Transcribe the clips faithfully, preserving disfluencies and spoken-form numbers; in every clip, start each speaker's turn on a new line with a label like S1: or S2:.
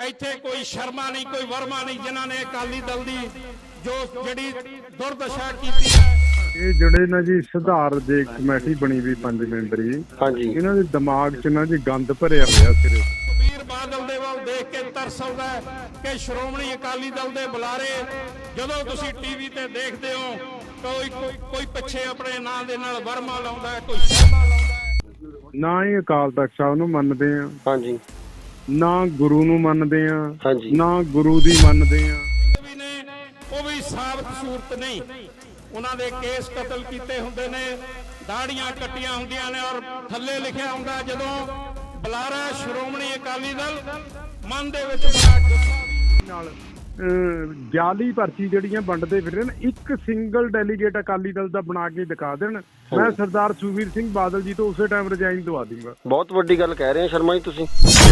S1: ਇੱਥੇ ਕੋਈ ਸ਼ਰਮਾ ਨਹੀਂ, ਕੋਈ ਵਰਮਾ ਨਹੀਂ, ਜਿਨ੍ਹਾਂ ਨੇ ਅਕਾਲੀ ਦਲ ਦੀ ਜੋ ਜਿਹੜੀ ਦੁਰਦਸ਼ਾ ਕੀਤੀ ਹੈ।
S2: ਇਹ ਜਿਹੜੇ ਨਾ ਜੀ ਸੁਧਾਰ ਦੇ ਕਮੇਟੀ ਬਣੀ ਵੀ ਪੰਜ ਮੈਂਬਰੀ,
S3: ਹਾਂਜੀ,
S2: ਇਹਨਾਂ ਦੇ ਦਿਮਾਗ 'ਚ ਨਾ ਜੀ ਗੰਦ ਭਰਿਆ ਹੋਇਆ ਸਿਰੇ।
S1: ਸੁਖਬੀਰ ਬਾਦਲ ਦੇ ਵੱਲ ਦੇਖ ਕੇ ਤਰਸ ਆਉਂਦਾ ਹੈ ਕਿ ਸ਼੍ਰੋਮਣੀ ਅਕਾਲੀ ਦਲ ਦੇ ਬੁਲਾਰੇ ਜਦੋਂ ਤੁਸੀਂ ਟੀਵੀ ਤੇ ਦੇਖਦੇ ਹੋ ਕੋਈ ਕੋਈ ਪਿੱਛੇ ਆਪਣੇ ਨਾਂ ਦੇ ਨਾਲ ਵਰਮਾ ਲਾਉਂਦਾ ਹੈ, ਕੋਈ ਸ਼ਰਮਾ ਲਾਉਂਦਾ ਹੈ।
S2: ਨਾ ਹੀ ਅਕਾਲ ਤਖਤ ਸਾਹਿਬ ਨੂੰ ਮੰਨਦੇ ਆ,
S3: ਹਾਂਜੀ,
S2: ਨਾ ਗੁਰੂ ਨੂੰ ਮੰਨਦੇ ਆ,
S3: ਹਾਂਜੀ,
S2: ਨਾ ਗੁਰੂ ਦੀ ਮੰਨਦੇ ਆ।
S1: ਵੀ ਨੇ ਉਹ ਵੀ ਸਾਬਤ ਸੂਰਤ ਨਹੀਂ, ਉਹਨਾਂ ਦੇ ਕੇਸ ਕਤਲ ਕੀਤੇ ਹੁੰਦੇ ਨੇ, ਦਾੜੀਆਂ ਕੱਟੀਆਂ ਹੁੰਦੀਆਂ ਨੇ ਔਰ ਥੱਲੇ ਲਿਖਿਆ ਹੁੰਦਾ ਜਦੋਂ ਬੁਲਾਰਾ ਸ਼੍ਰੋਮਣੀ ਅਕਾਲੀ ਦਲ, ਮਨ ਦੇ ਵਿੱਚ ਬੜਾ ਗੁੱਸਾ ਨਾਲ ਜਾਲੀ ਪਰਚੀ ਜਿਹੜੀਆਂ ਵੰਡਦੇ ਫਿਰ ਰਹੇ ਨੇ। ਇੱਕ ਸਿੰਗਲ ਡੈਲੀਗੇਟ ਅਕਾਲੀ ਦਲ ਦਾ ਬਣਾ ਕੇ ਦਿਖਾ ਦੇਣ, ਮੈਂ ਸਰਦਾਰ ਸੁਖਬੀਰ ਸਿੰਘ ਬਾਦਲ ਜੀ ਤੋਂ ਉਸੇ ਟਾਈਮ ਰਿਜ਼ਾਈਨ ਦਵਾ ਦੂੰਗਾ।
S3: ਬਹੁਤ ਵੱਡੀ ਗੱਲ ਕਹਿ ਰਹੇ ਹੋ ਸ਼ਰਮਾ ਜੀ ਤੁਸੀਂ।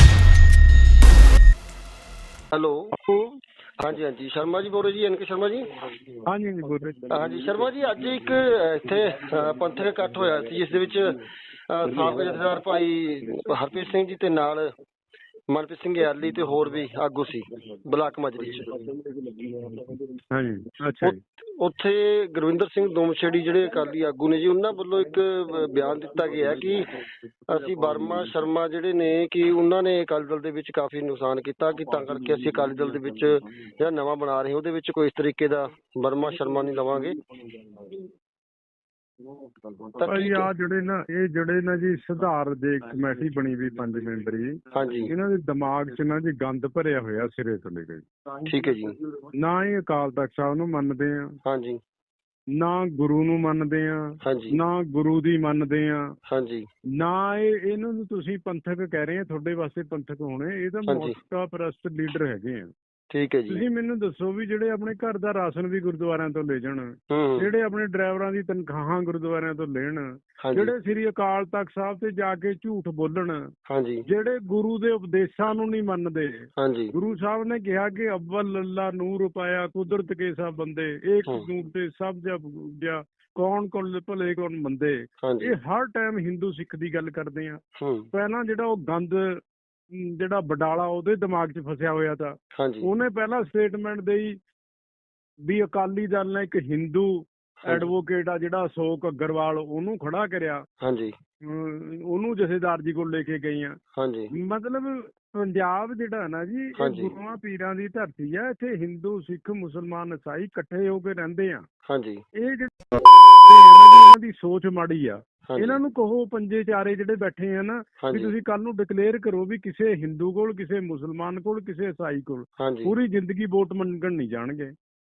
S3: ਹੈਲੋ, ਹਾਂਜੀ ਹਾਂਜੀ, ਸ਼ਰਮਾ ਜੀ ਬੋਲ ਰਹੇ ਜੀ, ਐਨ ਕੇ ਸ਼ਰਮਾ ਜੀ।
S2: ਹਾਂਜੀ ਹਾਂਜੀ ਬੋਲ ਰਹੇ।
S3: ਹਾਂਜੀ ਸ਼ਰਮਾ ਜੀ, ਅੱਜ ਇੱਕ ਇੱਥੇ ਪੰਥਕ ਇਕੱਠ ਹੋਇਆ ਸੀ ਜਿਸ ਦੇ ਵਿੱਚ ਸਾਬਕਾ ਜਥੇਦਾਰ ਭਾਈ ਹਰਪ੍ਰੀਤ ਸਿੰਘ ਜੀ ਤੇ ਨਾਲ ਮਨਪ੍ਰੀਤ ਸਿੰਘ ਯਾਲੀ ਤੇ ਹੋਰ ਵੀ ਆਗੂ ਸੀ ਬਲਾਕ ਮਾਜਰੀ ਚ।
S2: ਹਾਂਜੀ, ਅੱਛਾ ਜੀ।
S3: ਉੱਥੇ ਗੁਰਵਿੰਦਰ ਸਿੰਘ ਦੋਮਛੇੜੀ ਜਿਹੜੇ ਅਕਾਲੀ ਆਗੂ ਨੇ ਜੀ, ਉਹਨਾਂ ਵੱਲੋਂ ਇੱਕ ਬਿਆਨ ਦਿੱਤਾ ਗਿਆ ਕਿ ਅਸੀਂ ਵਰਮਾ ਸ਼ਰਮਾ ਜਿਹੜੇ ਨੇ ਕਿ ਉਹਨਾਂ ਨੇ ਅਕਾਲੀ ਦਲ ਦੇ ਵਿੱਚ ਕਾਫੀ ਨੁਕਸਾਨ ਕੀਤਾ, ਕਿ ਤਾਂ ਕਰਕੇ ਅਸੀਂ ਅਕਾਲੀ ਦਲ ਦੇ ਵਿੱਚ ਜਿਹੜਾ ਨਵਾਂ ਬਣਾ ਰਹੇ ਉਹਦੇ ਵਿੱਚ ਕੋਈ ਇਸ ਤਰੀਕੇ ਦਾ ਵਰਮਾ ਸ਼ਰਮਾ ਨਹੀਂ ਲਵਾਂਗੇ।
S2: ਭਾਈ ਆ ਜਿਹੜੇ ਨਾ ਇਹ ਜਿਹੜੇ ਨਾ ਜੀ ਸੁਧਾਰ ਦੇ ਕਮੇਟੀ ਬਣੀ ਵੀ ਪੰਜ ਮੈਂਬਰੀ,
S3: ਹਾਂਜੀ,
S2: ਇਹਨਾਂ ਦੇ ਦਿਮਾਗ 'ਚ ਨਾ ਜੀ ਗੰਦ ਭਰਿਆ ਹੋਇਆ ਸਿਰੇ ਤੋਂ ਲੈ ਕੇ।
S3: ਠੀਕ ਹੈ ਜੀ।
S2: ਨਾ ਹੀ ਅਕਾਲ ਤਖਤ ਸਾਹਿਬ ਨੂੰ ਮੰਨਦੇ ਆ,
S3: ਹਾਂਜੀ,
S2: ਨਾ ਗੁਰੂ ਨੂੰ ਮੰਨਦੇ ਆ,
S3: ਹਾਂਜੀ,
S2: ਨਾ ਗੁਰੂ ਦੀ ਮੰਨਦੇ ਆ,
S3: ਹਾਂਜੀ,
S2: ਨਾ ਇਹ ਇਹਨਾਂ ਨੂੰ ਤੁਸੀਂ ਪੰਥਕ ਕਹਿ ਰਹੇ ਆ, ਤੁਹਾਡੇ ਵਾਸਤੇ ਪੰਥਕ ਹੋਣੇ, ਇਹ ਤਾਂ
S3: ਹਾਂਜੀ।
S2: ਮੋਸਕਾ ਪ੍ਰਸਤ ਲੀਡਰ ਹੈਗੇ ਆ।
S3: ਠੀਕ ਹੈ ਜੀ।
S2: ਤੁਸੀਂ ਮੈਨੂੰ ਦੱਸੋ ਵੀ ਜਿਹੜੇ ਆਪਣੇ ਘਰ ਦਾ ਰਾਸ਼ਨ ਵੀ ਗੁਰਦੁਆਰਿਆਂ ਤੋਂ ਲੈ ਜਾਣ,
S3: ਹੂੰ,
S2: ਜਿਹੜੇ ਆਪਣੇ ਡਰਾਈਵਰਾਂ ਦੀ ਤਨਖਾਹਾਂ ਗੁਰਦੁਆਰਿਆਂ ਤੋਂ ਲੈਣ,
S3: ਹਾਂਜੀ,
S2: ਜਿਹੜੇ ਸ੍ਰੀ ਅਕਾਲ ਤਖਤ ਸਾਹਿਬ ਤੇ ਜਾ ਕੇ ਝੂਠ ਬੋਲਣ,
S3: ਹਾਂਜੀ,
S2: ਜਿਹੜੇ ਗੁਰੂ ਦੇ ਉਪਦੇਸ਼ਾਂ ਨੂੰ ਨਹੀਂ ਮੰਨਦੇ।
S3: ਹਾਂਜੀ,
S2: ਗੁਰੂ ਸਾਹਿਬ ਨੇ ਕਿਹਾ ਕਿ ਅਵਲ ਅੱਲਾ ਨੂਰ ਪਾਇਆ ਕੁਦਰਤ ਕੇ ਸਭ ਬੰਦੇ, ਏਕ
S3: ਹੂੰ।
S2: ਨੂਰ ਤੇ ਸਭ ਜਬ ਗਿਆ, ਕੌਣ ਕੌਣ ਭਲੇ ਕੌਣ ਮੰਦੇ।
S3: ਹਾਂਜੀ,
S2: ਇਹ ਹਰ ਟਾਈਮ ਹਿੰਦੂ ਸਿੱਖ ਦੀ ਗੱਲ ਕਰਦੇ ਆ।
S3: ਹੂੰ,
S2: ਪਹਿਲਾਂ ਜਿਹੜਾ ਉਹ ਗੰਦ ਅਮ, ਜਿਹੜਾ ਬਡਾਲਾ ਉਹਦੇ ਦਿਮਾਗ 'ਚ ਫਸਿਆ ਹੋਇਆ ਤਾਂ
S3: ਹਾਂਜੀ,
S2: ਉਹਨੇ ਪਹਿਲਾਂ ਸਟੇਟਮੈਂਟ ਦੇਈ ਵੀ ਅਕਾਲੀ ਦਲ ਨੇ ਇੱਕ ਹਿੰਦੂ ਐਡਵੋਕੇਟ ਆ ਜਿਹੜਾ ਅਸ਼ੋਕ ਅਗਰਵਾਲ, ਉਹਨੂੰ ਖੜਾ ਕਰਿਆ,
S3: ਹਾਂਜੀ,
S2: ਅਮ, ਉਹਨੂੰ ਜਥੇਦਾਰ ਜੀ ਕੋਲ ਲੈ ਕੇ ਗਈ ਆ।
S3: ਹਾਂਜੀ,
S2: ਮਤਲਬ ਪੰਜਾਬ ਜਿਹੜਾ ਨਾ ਜੀ ਇਹ
S3: ਹਾਂਜੀ।
S2: ਗੁਰੂਆਂ ਪੀਰਾਂ ਦੀ ਧਰਤੀ ਆ, ਇੱਥੇ ਹਿੰਦੂ ਸਿੱਖ ਮੁਸਲਮਾਨ ਈਸਾਈ ਇਕੱਠੇ ਹੋ ਕੇ ਰਹਿੰਦੇ ਆ।
S3: ਹਾਂਜੀ,
S2: ਇਹ ਜਿਹੜੇ ਇਹਨਾਂ ਦੀ ਸੋਚ ਮਾੜੀ ਆ।
S3: ਹਾਂਜੀ,
S2: ਇਹਨਾਂ ਨੂੰ ਕਹੋ ਪੰਜੇ ਚਾਰੇ ਜਿਹੜੇ ਬੈਠੇ ਆ ਨਾ ਵੀ
S3: ਹਾਂਜੀ,
S2: ਤੁਸੀਂ ਕੱਲ ਨੂੰ ਡਿਕਲੇਅਰ ਕਰੋ ਵੀ ਕਿਸੇ ਹਿੰਦੂ ਕੋਲ, ਕਿਸੇ ਮੁਸਲਮਾਨ ਕੋਲ, ਕਿਸੇ ਈਸਾਈ ਕੋਲ
S3: ਹਾਂਜੀ,
S2: ਪੂਰੀ ਜ਼ਿੰਦਗੀ ਵੋਟ ਮੰਗਣ ਨਹੀਂ ਜਾਣਗੇ।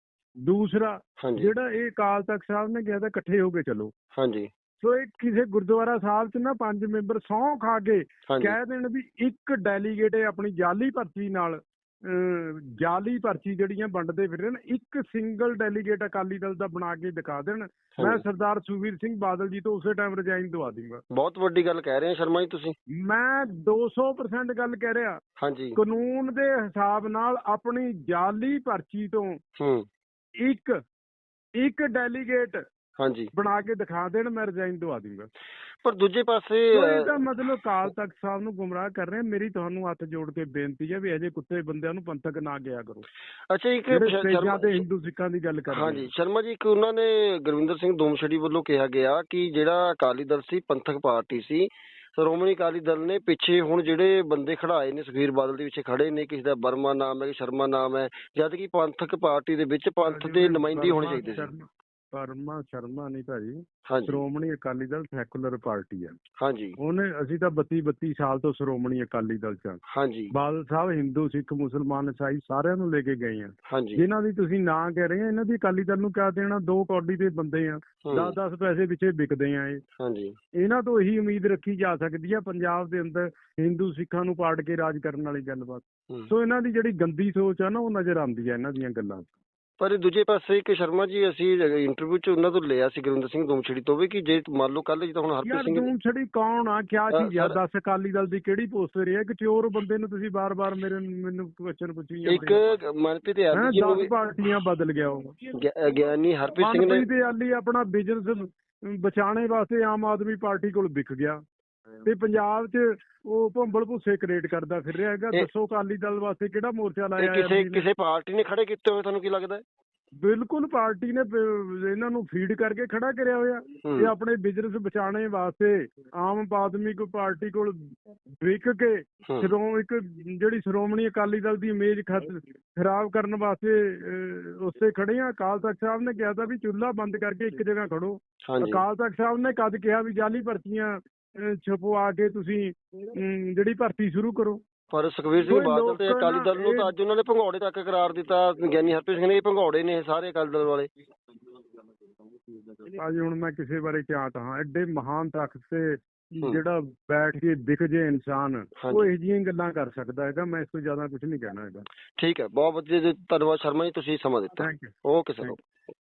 S2: ਦੂਸਰਾ
S3: ਹਾਂਜੀ,
S2: ਜਿਹੜਾ ਇਹ ਅਕਾਲ ਤਖਤ ਸਾਹਿਬ ਨੇ ਕਿਹਾ ਤਾਂ ਇਕੱਠੇ ਹੋ ਕੇ ਚਲੋ,
S3: ਹਾਂਜੀ,
S2: ਸੋ ਇਹ ਕਿਸੇ ਗੁਰਦੁਆਰਾ ਸਾਹਿਬ 'ਚ ਨਾ ਪੰਜ ਮੈਂਬਰ ਸਹੁੰ ਖਾ ਕੇ
S3: ਹਾਂਜੀ,
S2: ਕਹਿ ਦੇਣ ਵੀ ਇੱਕ ਡੈਲੀਗੇਟ ਆਪਣੀ ਜਾਲੀ ਪਰਚੀ ਨਾਲ ਅਹ, ਜਾਲੀ ਪਰਚੀ ਜਿਹੜੀਆਂ ਵੰਡਦੇ ਫਿਰ ਰਹੇ ਨੇ, ਇੱਕ ਸਿੰਗਲ ਡੈਲੀਗੇਟ ਅਕਾਲੀ ਦਲ ਦਾ ਬਣਾ ਕੇ ਦਿਖਾ ਦੇਣ, ਮੈਂ ਸਰਦਾਰ ਸੁਖਬੀਰ ਸਿੰਘ ਬਾਦਲ ਜੀ ਤੋਂ ਉਸੇ ਟਾਈਮ ਰਿਜ਼ਾਈਨ ਦਵਾ ਦੂੰਗਾ।
S3: ਬਹੁਤ ਵੱਡੀ ਗੱਲ ਕਹਿ ਰਹੇ ਹੋ ਸ਼ਰਮਾ ਜੀ ਤੁਸੀਂ।
S2: ਮੈਂ ਦੋ ਸੌ ਪਰਸੈਂਟ ਗੱਲ ਕਹਿ ਰਿਹਾ।
S3: ਹਾਂਜੀ,
S2: ਕਾਨੂੰਨ ਦੇ ਹਿਸਾਬ ਨਾਲ ਆਪਣੀ ਜਾਲੀ ਪਰਚੀ ਤੋਂ
S3: ਹੂੰ,
S2: ਇੱਕ ਇੱਕ ਡੈਲੀਗੇਟ
S3: ਹਾਂਜੀ,
S2: ਬਣਾ ਕੇ ਦਿਖਾ ਦੇਣ, ਮੈਂ ਰਿਜ਼ਾਈਨ ਦਵਾ ਦੂੰਗਾ।
S3: ਪਰ ਦੂਜੇ ਪਾਸੇ
S2: ਇਹਦਾ ਮਤਲਬ ਅਕਾਲ ਤਖਤ ਸਾਹਿਬ ਨੂੰ ਗੁੰਮਰਾਹ ਕਰ ਰਹੇ। ਮੇਰੀ ਤੁਹਾਨੂੰ ਹੱਥ ਜੋੜ ਕੇ ਬੇਨਤੀ ਹੈ ਵੀ ਅਜੇ ਕੁੱਤੇ ਬੰਦਿਆਂ ਨੂੰ ਪੰਥਕ ਨਾ ਕਿਹਾ ਕਰੋ,
S3: ਅੱਛਾ ਇੱਕ
S2: ਸ਼ਰਮਾ ਤੇ ਹਿੰਦੂ ਸਿੱਖਾਂ ਦੀ ਗੱਲ ਕਰ ਰਹੇ।
S3: ਹਾਂਜੀ ਸ਼ਰਮਾ ਜੀ, ਇੱਕ ਉਹਨਾਂ ਨੇ ਗੁਰਵਿੰਦਰ ਸਿੰਘ ਦੋਮਛੜੀ ਵੱਲੋਂ ਕਿਹਾ ਗਿਆ ਕਿ ਜਿਹੜਾ ਅਕਾਲੀ ਦਲ ਸੀ ਪੰਥਕ ਪਾਰਟੀ ਸੀ, ਸ਼੍ਰੋਮਣੀ ਅਕਾਲੀ ਦਲ ਨੇ ਪਿੱਛੇ ਹੁਣ ਜਿਹੜੇ ਬੰਦੇ ਖੜਾਏ ਨੇ ਸੁਖਬੀਰ ਬਾਦਲ ਦੇ ਪਿੱਛੇ ਖੜੇ ਨੇ, ਕਿਸੇ ਦਾ ਵਰਮਾ ਨਾਮ ਹੈ, ਸ਼ਰਮਾ ਨਾਮ ਹੈ, ਜਦ ਕਿ ਪੰਥਕ ਪਾਰਟੀ ਦੇ ਵਿੱਚ ਪੰਥ ਦੇ ਨੁਮਾਇੰਦੇ ਹੋਣੇ ਚਾਹੀਦੇ ਸੀ।
S2: ਵਰਮਾ ਸ਼ਰਮਾ ਨਹੀਂ ਭਾਜੀ,
S3: ਹਾਂਜੀ,
S2: ਸ਼੍ਰੋਮਣੀ ਅਕਾਲੀ ਦਲ ਸੈਕੂਲਰ ਪਾਰਟੀ ਆ।
S3: ਹਾਂਜੀ,
S2: ਉਹਨੇ ਅਸੀਂ ਤਾਂ ਬੱਤੀ ਬੱਤੀ ਸਾਲ ਤੋਂ ਸ਼੍ਰੋਮਣੀ ਅਕਾਲੀ ਦਲ ਚ।
S3: ਹਾਂਜੀ,
S2: ਬਾਦਲ ਸਾਹਿਬ ਹਿੰਦੂ ਸਿੱਖ ਮੁਸਲਮਾਨ ਈਸਾਈ ਸਾਰਿਆਂ ਨੂੰ ਲੈ ਕੇ ਗਏ ਆ।
S3: ਹਾਂਜੀ,
S2: ਜਿਨ੍ਹਾਂ ਦੀ ਤੁਸੀਂ ਨਾਂ ਕਹਿ ਰਹੇ ਆ, ਇਹਨਾਂ ਦੀ ਅਕਾਲੀ ਦਲ ਨੂੰ ਕਿਆ ਦੇਣਾ? ਦੋ ਕੌਡੀ ਦੇ ਬੰਦੇ ਆ, ਦਸ ਦਸ ਪੈਸੇ ਪਿੱਛੇ ਵਿਕਦੇ ਆ ਇਹ।
S3: ਹਾਂਜੀ,
S2: ਇਹਨਾਂ ਤੋਂ ਇਹੀ ਉਮੀਦ ਰੱਖੀ ਜਾ ਸਕਦੀ ਆ ਪੰਜਾਬ ਦੇ ਅੰਦਰ ਹਿੰਦੂ ਸਿੱਖਾਂ ਨੂੰ ਪਾੜ ਕੇ ਰਾਜ ਕਰਨ ਵਾਲੀ ਗੱਲਬਾਤ। ਸੋ ਇਹਨਾਂ ਦੀ ਜਿਹੜੀ ਗੰਦੀ ਸੋਚ ਆ ਨਾ, ਉਹ ਨਜ਼ਰ ਆਉਂਦੀ ਆ ਇਹਨਾਂ ਦੀਆਂ ਗੱਲਾਂ।
S3: ਪਰ ਦੂਜੇ ਪਾਸੇ ਇੱਕ ਸ਼ਰਮਾ ਜੀ, ਅਸੀਂ ਇੰਟਰਵਿਊ ਚ ਉਹਨਾਂ ਤੋਂ ਲਿਆ ਸੀ ਗੁਰਵਿੰਦਰ ਸਿੰਘ ਦੋਮਛੜੀ ਤੋਂ ਵੀ, ਕਿ ਜੇ ਮੰਨ ਲਓ ਕੱਲ ਜਿੱਦਾਂ ਹੁਣ ਹਰਪ੍ਰੀਤ ਸਿੰਘ
S2: ਦੋਮਛੜੀ ਕੌਣ ਆ, ਕਿਆ ਚੀਜ਼ ਆ, ਦੱਸ ਅਕਾਲੀ ਦਲ ਦੀ ਕਿਹੜੀ ਪੋਸਟ ਰਹੀ ਹੈ? ਇੱਕ ਚੋਰ ਬੰਦੇ ਨੂੰ ਤੁਸੀਂ ਬਾਰ-ਬਾਰ ਮੇਰੇ ਮੈਨੂੰ ਕੁਐਸਚਨ ਪੁੱਛੀ ਜਾਂਦੇ।
S3: ਇੱਕ ਮਨਪ੍ਰੀਤ ਯਾਲੀ ਜੀ ਨੂੰ
S2: ਪਾਰਟੀਆਂ ਬਦਲ ਗਿਆ ਉਹ
S3: ਗਿਆਨੀ ਹਰਪ੍ਰੀਤ ਸਿੰਘ ਨੇ,
S2: ਮਨਪ੍ਰੀਤ ਯਾਲੀ ਆਪਣਾ ਬਿਜ਼ਨਸ ਬਚਾਉਣੇ ਵਾਸਤੇ ਆਮ ਆਦਮੀ ਪਾਰਟੀ ਕੋਲ ਵਿਕ ਗਿਆ। ਤੇ ਪੰਜਾਬ 'ਚ ਉਹ ਭੰਬਲ ਭੁੱਸੇ ਕ੍ਰੀਏਟ ਕਰਦਾ ਫਿਰ ਰਿਹਾ ਹੈਗਾ।
S3: ਇਹ-
S2: ਦੱਸੋ ਅਕਾਲੀ ਦਲ ਵਾਸਤੇ ਕਿਹੜਾ ਮੋਰਚਾ
S3: ਇਹ
S2: ਲਾਇਆ
S3: ਕਿਸੇ
S2: ਐਮ ਪੀ ਨੇ?
S3: ਕਿਸੇ ਪਾਰਟੀ ਨੇ ਖੜੇ ਕੀਤੇ ਹੋਏ ਤੁਹਾਨੂੰ ਕੀ ਲੱਗਦਾ ਹੈ?
S2: ਬਿਲਕੁਲ ਪਾਰਟੀ ਨੇ ਬ- ਇਹਨਾਂ ਨੂੰ ਫੀਡ ਕਰਕੇ ਖੜਾ ਕਰਿਆ ਹੋਇਆ।
S3: ਹੂੰ।
S2: ਇਹ ਆਪਣੇ ਬਿਜ਼ਨਸ ਬਚਾਉਣੇ ਵਾਸਤੇ ਆਮ ਆਦਮੀ ਕੋ ਪਾਰਟੀ ਕੋਲ ਵਿਕ ਕੇ
S3: ਹੂੰ।
S2: ਸ਼੍ਰੋਮਣੀ ਇੱਕ ਜਿਹੜੀ ਸ਼੍ਰੋਮਣੀ ਅਕਾਲੀ ਦਲ ਦੀ ਇਮੇਜ ਖਰਾਬ ਕਰਨ ਵਾਸਤੇ ਅਹ, ਉਸੇ ਖੜੇ ਆ। ਅਕਾਲ ਤਖਤ ਸਾਹਿਬ ਨੇ ਕਿਹਾ ਤਾਂ ਵੀ ਚੁੱਲ੍ਹਾ ਬੰਦ ਕਰਕੇ ਇੱਕ ਜਗ੍ਹਾ ਖੜੋ।
S3: ਹਾਂਜੀ
S2: ਅਕਾਲ ਤਖਤ ਸਾਹਿਬ ਨੇ ਕਦ ਕਿਹਾ ਵੀ ਜਾਲੀ ਭਰਤੀਆਂ ਅਹ, ਛਪਵਾ ਕੇ ਤੁਸੀਂ ਅਮ, ਜਿਹੜੀ ਭਰਤੀ ਸ਼ੁਰੂ ਕਰੋ।
S3: ਪਰ ਸੁਖਬੀਰ ਸਿੰਘ
S2: ਕੋਈ
S3: ਬਾਦਲ ਤੇ
S2: ਲੋਕ
S3: ਅਕਾਲੀ
S2: ਨਾ
S3: ਦਲ ਨੂੰ ਤਾਂ
S2: ਇਹ-
S3: ਅੱਜ ਉਹਨਾਂ ਨੇ ਭੰਗੌੜੇ ਤੱਕ ਕਰਾਰ ਦਿੱਤਾ। ਗਿਆਨੀ ਹਰਪ੍ਰੀਤ ਸਿੰਘ ਨੇ ਇਹ ਭੰਗੌੜੇ ਨੇ ਸਾਰੇ ਅਕਾਲੀ ਦਲ ਵਾਲੇ।
S2: ਅੱਜ ਹੁਣ ਮੈਂ ਕਿਸੇ ਬਾਰੇ ਕਿਆ ਕਹਾਂ, ਐਡੇ ਮਹਾਨ ਤਖਤ ਤੇ
S3: ਹੂੰ।
S2: ਜਿਹੜਾ ਬੈਠ ਕੇ ਦਿਖ ਜੇ ਇਨਸਾਨ,
S3: ਹਾਂਜੀ।
S2: ਉਹ ਇਹੋ ਜਿਹੀਆਂ ਗੱਲਾਂ ਕਰ ਸਕਦਾ ਹੈਗਾ। ਮੈਂ ਇਸ ਤੋਂ ਜ਼ਿਆਦਾ ਕੁਝ ਨਹੀਂ ਕਹਿਣਾ ਹੈਗਾ।
S3: ਠੀਕ ਹੈ, ਬਹੁਤ ਵਧੀਆ ਜੀ, ਧੰਨਵਾਦ ਸ਼ਰਮਾ ਜੀ, ਤੁਸੀਂ ਸਮਾਂ ਦਿੱਤਾ।
S2: Thank you.
S3: Okay sir.